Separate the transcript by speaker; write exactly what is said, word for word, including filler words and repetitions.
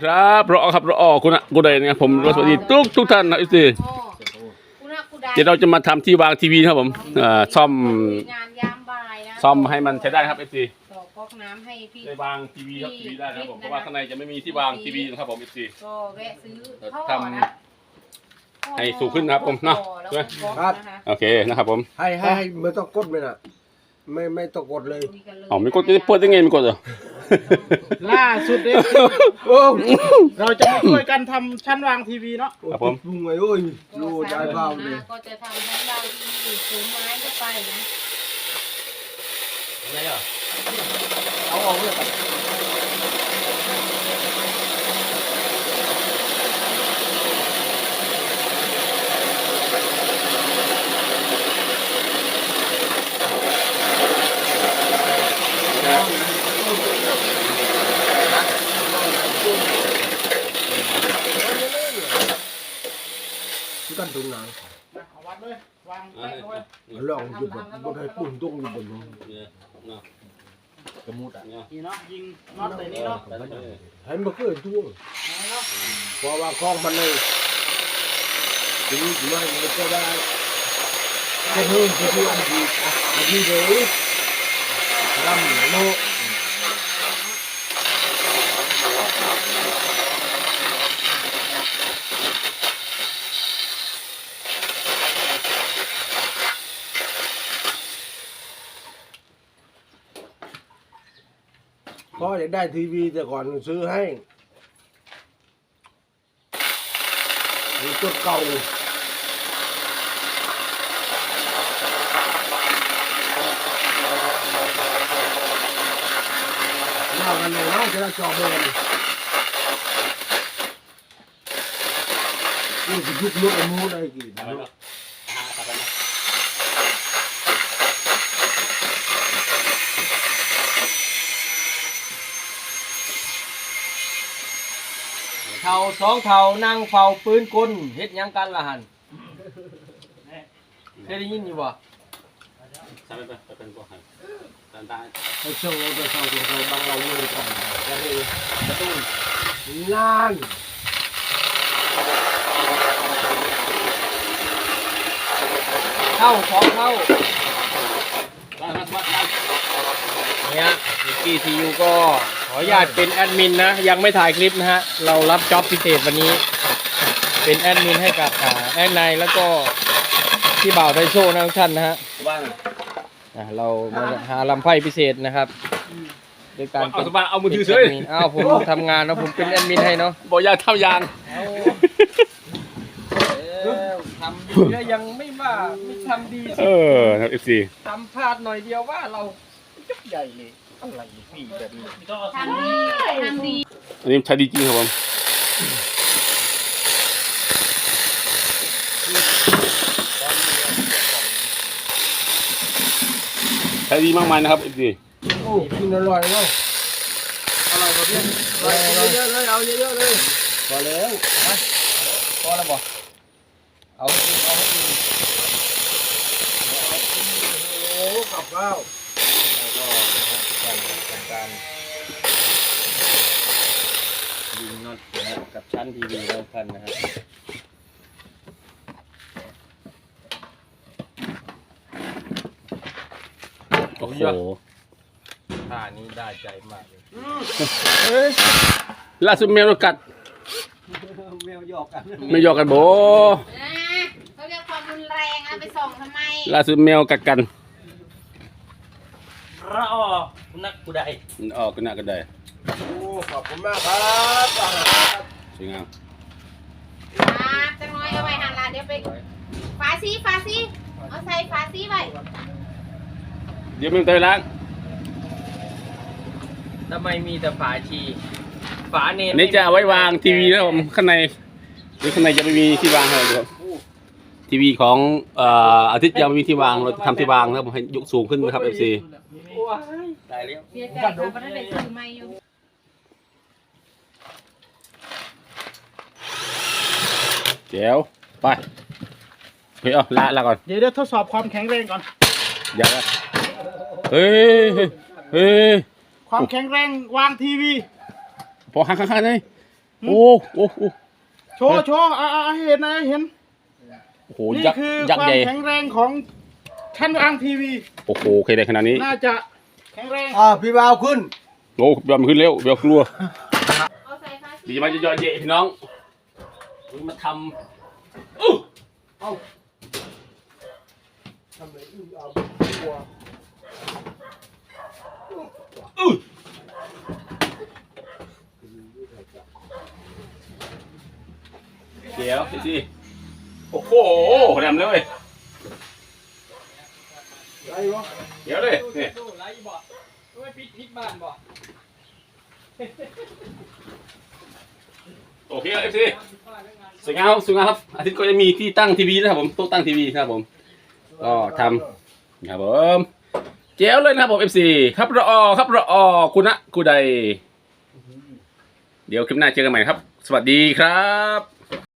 Speaker 1: ครับรอครับรอคุณอะกูได้เนี่ยผมสวัสดีทุกทุกท่านนะอีสิเดี๋ยวเราจะมาทำที่วางทีวีครับผมซ่อม
Speaker 2: งานยามบ่ายนะ
Speaker 1: ซ่อมให้มันใช้ได้ครับอีสิ
Speaker 2: ต่อก๊อกน้ำให้พี่
Speaker 1: ได้วางทีวีครับทีวีได้ครับผมเพราะว่าข้างในจะไม่มีที่วางทีวีนะครับผมอีสิ
Speaker 2: ก็แวะซื้อ
Speaker 1: ทำให้สูงขึ้นนะครับผมเนาะ
Speaker 3: ครับ
Speaker 1: โอเคนะครับผม
Speaker 3: ให้ให้ให้ไม่ต้องกดเลยนะไม่ไม่ต้องกดเลย
Speaker 1: อ๋อไม่กดจะเปิดได้ไงไม่กดเหรอ
Speaker 4: ล่าสุดเลยเราจะมาช่วยกันทำชั้นวางทีวีเนาะ
Speaker 1: ครับผม
Speaker 3: ลุงไงโอ้ยดูใจเบาเลย
Speaker 2: ก็จะทำชั้นวางทีวีสูงไม้ก็ไปนะ
Speaker 4: อะไรอ่ะเอาออกเลยครับ
Speaker 3: กันตรงไหน
Speaker 4: เอาวัดเลยวางไปเลย
Speaker 3: ลองอยู่บนบนให้ปุ่นตรงอยู่บนนู้น
Speaker 4: กระมุดอ่ะนี่เนาะยิงน็อตเลยนี่เนาะ
Speaker 3: ให้มันเกิดทั่วพอวางคล้องมันเลยทีนี้ถึงว่ามันก็ได้แค่เพิ่มที่ที่อันที่อันที่เลยรำโลพ่ออยากได้ทีวีแต่ก่อนซื้อให้มีตัวเก่าหน้ากันเลยนะจะได้จอเบนนี่จะยุบลุกมูได้กี่
Speaker 4: เท่าสองเท่านั่งเฝ้าปืนกลเฮ็ดยังกันล่ะหันเคยได้ยินอยู่บ่
Speaker 1: ใช่ไหมเป็นพวกหันตาตา
Speaker 3: ให้เช่าเราไปเช่าตัวเราบางเราเลยก่อนจะได้กระตุ้นล้าน
Speaker 4: เท่าสองเท่าเนี่ยมิกกี้ทียูก็ขออนุญาตเป็นแอดมินนะยังไม่ถ่ายคลิปนะฮะเรารับจ็อบพิเศษวันนี้เป็นแอดมินให้กับแอดไนแล้วก็ที่บ่าวไทโซ่นะทุกท่านนะฮะเรามาหาลำไพ่พิเศษนะครับโดยการ
Speaker 1: เอาสบายเอามือถือเฉย
Speaker 4: อ้าวผมทำงานแล้วผมเป็นแอดมินให้เนาะ
Speaker 1: บอกอย่าทำยาง
Speaker 4: ทำดีแล้วยังไม่ว่าไม่ทำดี
Speaker 1: เออครับเอฟซี
Speaker 4: ทำพลาดหน่อยเดียวว่าเราจุกใหญ่เลยอะไรพี่แบบนี้
Speaker 2: ทำดีทำดี
Speaker 1: อันนี้ใช้ดีจริงครับผมใช้ดีมากมายนะครับเอฟซี
Speaker 3: โอ้กินอร่อยเนาะ
Speaker 4: อร่อยกว่าเพื่อนอร่อยเยอะเลยเอาเยอะๆเลย
Speaker 3: พอแล้ว
Speaker 4: นะพอแล้วบ่เอาเอาให้ดี
Speaker 3: โอ้กับข้าว
Speaker 4: แล้วก็นะครับการทำการยิงน็อตนะกับชั้นทีวีแล้วกันนะครับ
Speaker 1: โอ้โห
Speaker 4: ท่านี้ได้ใจมากเลย
Speaker 1: ล่าสุดแมวกัด
Speaker 4: แมวหยอกกัน
Speaker 1: ไม่หยอกกันโบ
Speaker 2: เขาเรียกความรุนแรงเอาไปส่องทำไม
Speaker 1: ล่าสุดแมวกัดกัน
Speaker 4: รอนักกูได้
Speaker 1: ออกกันนักก็ได้
Speaker 3: โอ้ขอบคุณมากครับ
Speaker 1: สวยงาม
Speaker 2: ครับจะน้อยเอาไว้หันละเดี๋ยวไปฝาซีฝาซีเอาใส่ฝาซีไว้
Speaker 1: เดี๋ยวมึงเตยล้าง
Speaker 4: ทำไมมีแต่ฝาชีฝาเนม
Speaker 1: นี่จะเอาไว้วางทีวีนะผมข้างในหรือข้างในจะไม่มีที่วางอะไรครับทีวีของอาทิตย์ยังไม่มีที่วางเราทำที่วางนะครับผมให้ยกสูงขึ้นนะครับเอฟซี
Speaker 4: ตายแล้ว
Speaker 2: เสียใจครับเพราะนั่นเป็นซื้อไม่อยู่
Speaker 1: เดี๋ยวไปเฮ้ยเอาละละก่อน
Speaker 4: เดี๋ยวเดี๋ยวทดสอบความแข็งแรงก่อน
Speaker 1: อย่าละเฮ้ยเฮ้ย
Speaker 4: ความแข็งแรงวางทีวี
Speaker 1: พอข้างข้างๆเลยโอ้โอ้โอ้
Speaker 5: โชว์โชว์อ่าอ่าให้เห็นนะให้เห็น
Speaker 1: โอ้โห
Speaker 5: นี่
Speaker 1: ยักษ์
Speaker 5: คือ
Speaker 1: ยัก
Speaker 5: ค
Speaker 1: ษ์
Speaker 5: วาม
Speaker 1: ใหญ่
Speaker 5: แข็งแรงของชั้นวางทีวี
Speaker 1: โอ้โหเคยได้ขนาดนี้
Speaker 5: น่าจะแข็งแรง
Speaker 3: อ่าพี่บ่าวขึ้น
Speaker 1: โอ้เบลมันขึ้นเร็วเบลกลัว
Speaker 2: เอาใส่ฟาซี่
Speaker 1: ดีมากจะยอดเย่พี่น้องมาทำอู้
Speaker 3: ทำไมอึ้งเอาตัว
Speaker 1: อู้เดี๋ยวสิสิโอ้โหแหลมเลย
Speaker 3: ไรวะ
Speaker 1: เดี๋ยวเลยนี่
Speaker 4: ดูไรบ่ไม่ปิดพิษบ้านบ่
Speaker 1: โอเคเอฟซีสวยงามครับสวยงามครับอาทิตย์ก็จะมีที่ตั้งทีวีนะครับผมโต๊ะตั้งทีวีนะครับผมก็ทำครับผมเจ๋วเลยนะครับผมเอฟซีครับรอครับรอคุณนะกูใดเดี๋ยวคลิปหน้าเจอกันใหม่ครับ สวัสดีครับ